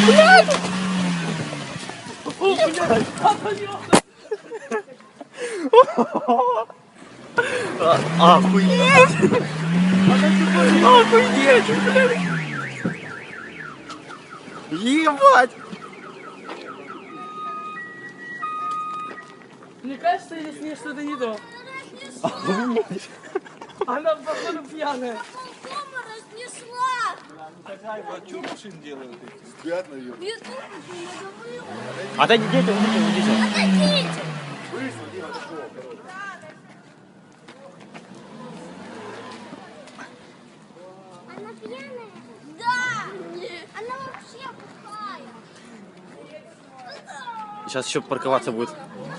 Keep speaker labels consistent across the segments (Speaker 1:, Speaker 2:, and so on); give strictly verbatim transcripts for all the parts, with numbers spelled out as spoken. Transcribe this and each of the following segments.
Speaker 1: Блядь! О, блядь! Охуеть! Охуеть, блядь! Ебать!
Speaker 2: Мне кажется, или с ней что-то не то. Она, походу, пьяная.
Speaker 3: Дома разнесла.
Speaker 4: А что машин делают?
Speaker 5: Спят, наверное.
Speaker 3: Без опыта не говорила.
Speaker 1: Отойдите, уйдите, уйдите.
Speaker 3: Отойдите. Она пьяная? Да. Нет. Она вообще пухая.
Speaker 1: Сейчас еще парковаться будет.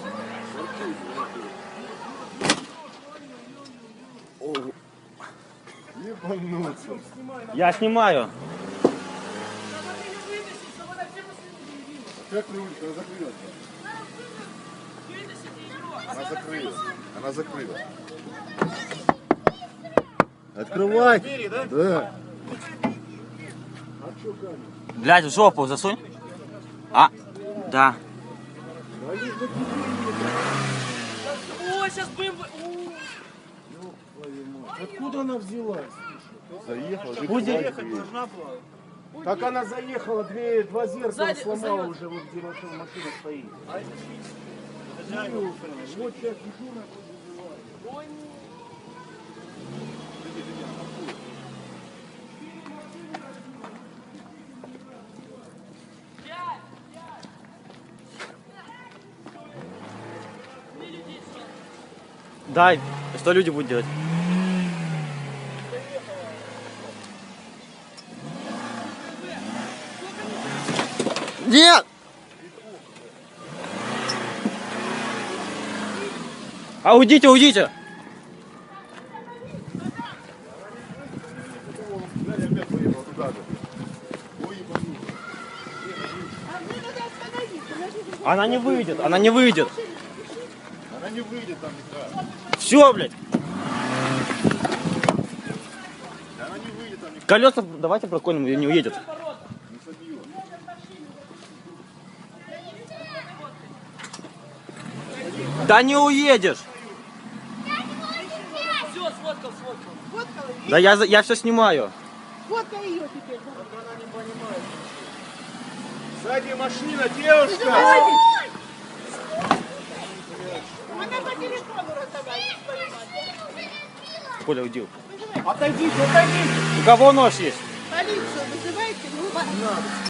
Speaker 5: Ебануться.
Speaker 1: Я снимаю.
Speaker 5: Как на улице? Она закрылась. Она закрылась. Она закрылась. Открывай.
Speaker 4: Двери, да?
Speaker 5: Да.
Speaker 1: Блядь, в жопу засунь. А, да.
Speaker 2: О, сейчас будем...
Speaker 4: Откуда она взялась?
Speaker 5: Заехала.
Speaker 1: Пусть
Speaker 4: Ехать должна была.
Speaker 6: Так она заехала, две, два зеркала
Speaker 2: Сзади,
Speaker 6: сломала
Speaker 2: сзади.
Speaker 6: уже, вот где машина, машина стоит.
Speaker 4: Хозяева.
Speaker 6: Вот сейчас иду на...
Speaker 1: Дай. Что люди будут делать? Нет! А уйдите, уйдите! Она не выйдет, она не выйдет.
Speaker 5: Она не выйдет там никак.
Speaker 1: Все, блядь.
Speaker 5: Она не выйдет там никак.
Speaker 1: Колеса давайте проколем, и не уедет.
Speaker 5: Не собьет.
Speaker 1: Да не уедешь.
Speaker 2: Все, сфоткал, сфоткал.
Speaker 1: Да я, за- я все снимаю.
Speaker 6: Фоткай ее теперь.
Speaker 5: Сзади машина, девушка!
Speaker 6: Она по телефону разговаривает.
Speaker 1: Коля, уйди.
Speaker 6: Отойдите, отойдите.
Speaker 1: У кого нож есть?
Speaker 6: Полицию вызывайте. Ну,